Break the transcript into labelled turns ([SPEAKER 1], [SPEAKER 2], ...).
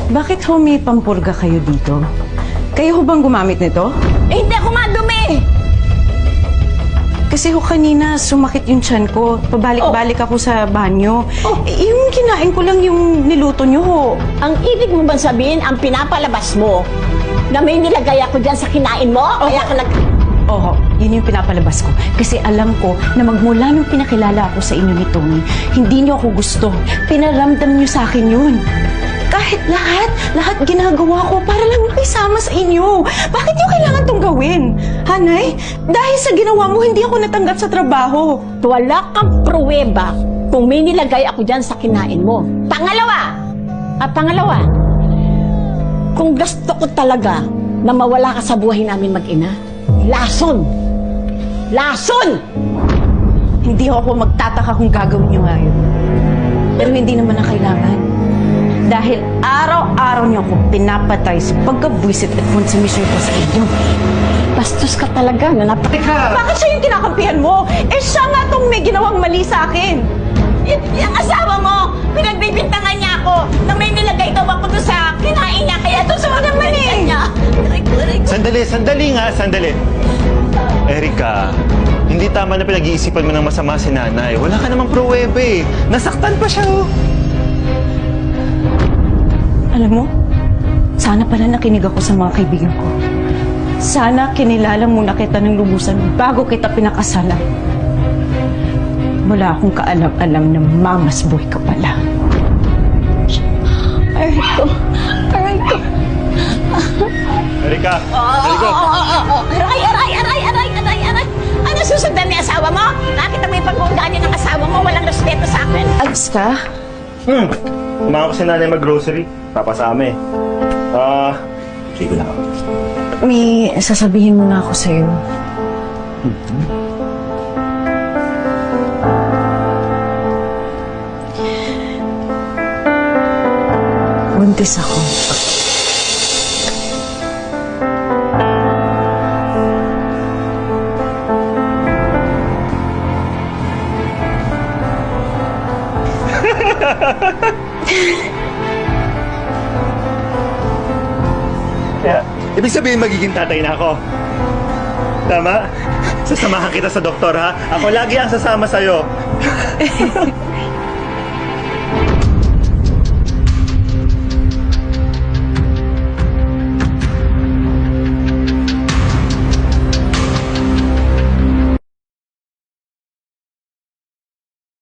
[SPEAKER 1] Bakit ho may pampurga kayo dito? Kayo ho bang gumamit nito?
[SPEAKER 2] Eh, hindi ako madumi!
[SPEAKER 1] Kasi ho kanina sumakit yung tiyan ko. Pabalik-balik ako sa banyo. Yung kinain ko lang yung niluto nyo ho.
[SPEAKER 2] Ang ibig mo bang sabihin, ang pinapalabas mo, na may nilagay ako dyan sa kinain mo? Kaya ka
[SPEAKER 1] Oo, yun yung pinapalabas ko. Kasi alam ko na magmula nung pinakilala ako sa inyo ni Tony, hindi niyo ako gusto. Pinaramdam niyo sa akin yun. Kahit lahat ginagawa ko para lang makisama sa inyo. Bakit niyo kailangan tong gawin? Hanay, dahil sa ginawa mo, hindi ako natanggap sa trabaho.
[SPEAKER 2] wala kang pruweba kung may nilagay ako dyan sa kinain mo. Pangalawa, kung gusto ko talaga na mawala ka sa buhay namin mag-ina, lason!
[SPEAKER 1] Hindi ako magtataka kung gagawin niyo nga yun. Pero hindi naman na kailangan. Dahil araw-araw niyo ako pinapatay sa pagkabwisit at konsumisyon ko sa inyo.
[SPEAKER 2] Bastos ka talaga na
[SPEAKER 1] Bakit siya yung kinakampihan mo? Eh siya nga tong may ginawang mali sa akin.
[SPEAKER 2] Yung asawa mo, pinagbibintangan niya ako na may nilagay daw ako doon sa kinain niya, kaya doon sa mga
[SPEAKER 1] naman eh.
[SPEAKER 2] niya.
[SPEAKER 3] Sandali. Erika, hindi tama na pinag-iisipan mo ng masama si nanay. Wala ka namang pruwebe eh. Nasaktan pa siya oh.
[SPEAKER 1] Alam mo, sana pala nakinig ako sa mga kaibigan ko. Sana kinilala muna kita ng lubusan bago kita pinakasalan. Wala akong kaalam-alam na mamas boy ka pala.
[SPEAKER 2] Aray ko.
[SPEAKER 3] Erika!
[SPEAKER 2] Aray! Ano susundan ni asawa mo? Nakita mo yung pag-uundaan niya ng asawa mo, walang respeto sa akin.
[SPEAKER 1] Alis ka?
[SPEAKER 3] Kumain ko si nanay mag-grocery. Papasama eh. Sige lang.
[SPEAKER 1] May sasabihin muna ako sa'yo. Buntis ako.
[SPEAKER 3] Kaya, ibig sabihin magiging tatay na ako. Tama? Sasamahan kita sa doktor ha? Ako lagi ang sasama sa'yo.